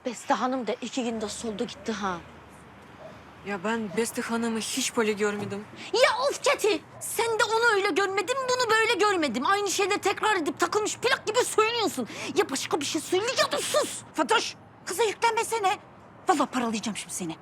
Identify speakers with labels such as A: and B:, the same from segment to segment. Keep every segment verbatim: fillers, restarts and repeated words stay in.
A: Beste Hanım da iki günde soldu gitti ha.
B: Ya ben Beste Hanım'ı hiç böyle görmedim.
A: Ya of Keti! Sen de onu öyle görmedin, bunu böyle görmedim. Aynı şeyde tekrar edip takılmış plak gibi söylüyorsun. Ya başka bir şey söyleyiyordun, sus!
C: Fatoş, kıza yüklenmesene. Vallahi paralayacağım şimdi seni.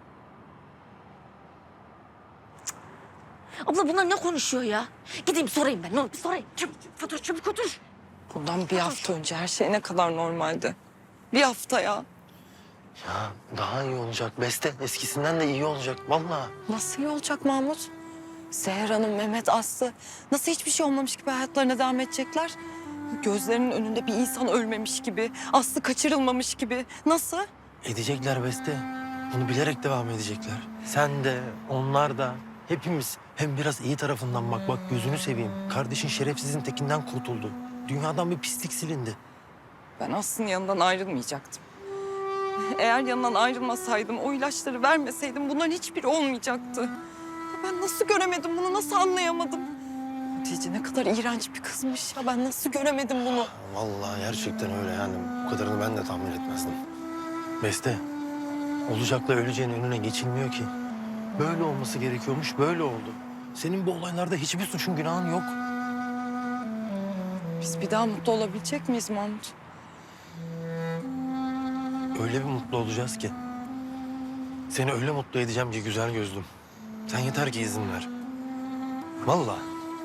A: Abla bunlar ne konuşuyor ya? Gideyim sorayım ben, ne olur bir sorayım. Çabuk, Fatoş çabuk otur.
D: Bundan bir hafta önce her şey ne kadar normaldi. Bir hafta ya.
E: Ya daha iyi olacak Beste. Eskisinden de iyi olacak vallahi.
D: Nasıl iyi olacak Mahmut? Seher Hanım, Mehmet, Aslı nasıl hiçbir şey olmamış gibi hayatlarına devam edecekler? Gözlerinin önünde bir insan ölmemiş gibi, Aslı kaçırılmamış gibi. Nasıl?
E: Edecekler Beste. Bunu bilerek devam edecekler. Sen de, onlar da, hepimiz. Hem biraz iyi tarafından bak, bak gözünü seveyim. Kardeşin şerefsizin tekinden kurtuldu. Dünyadan bir pislik silindi.
D: Ben Aslı'nın yanından ayrılmayacaktım. Eğer yanından ayrılmasaydım, o ilaçları vermeseydim bunların hiçbiri olmayacaktı. Ya ben nasıl göremedim bunu, nasıl anlayamadım? Hatice ne kadar iğrenç bir kızmış ya. Ben nasıl göremedim bunu?
E: Vallahi gerçekten öyle yani. Bu kadarını ben de tahmin etmezdim. Beste, olacakla öleceğin önüne geçilmiyor ki. Böyle olması gerekiyormuş, böyle oldu. Senin bu olaylarda hiçbir suçun, günahın yok.
D: Biz bir daha mutlu olabilecek miyiz Mahmut?
E: Öyle bir mutlu olacağız ki. Seni öyle mutlu edeceğim ki güzel gözlüm. Sen yeter ki izin ver. Vallahi.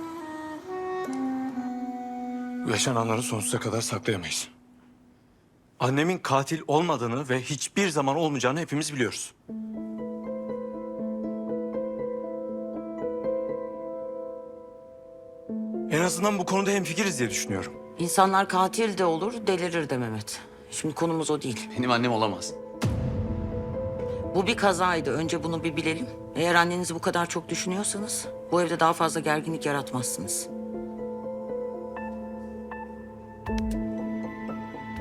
F: Yaşananları sonsuza kadar saklayamayız. Annemin katil olmadığını ve hiçbir zaman olmayacağını hepimiz biliyoruz. En azından bu konuda hemfikiriz diye düşünüyorum.
G: İnsanlar katil de olur, delirir de Mehmet. Şimdi konumuz o değil.
H: Benim annem olamaz.
G: Bu bir kazaydı. Önce bunu bir bilelim. Eğer annenizi bu kadar çok düşünüyorsanız bu evde daha fazla gerginlik yaratmazsınız.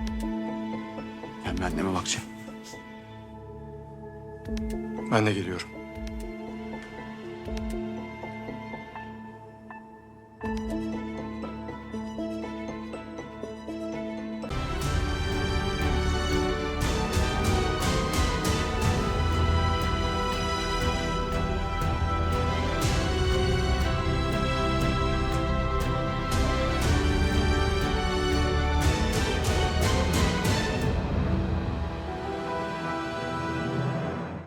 H: Ben bir anneme bakacağım.
F: Ben de geliyorum.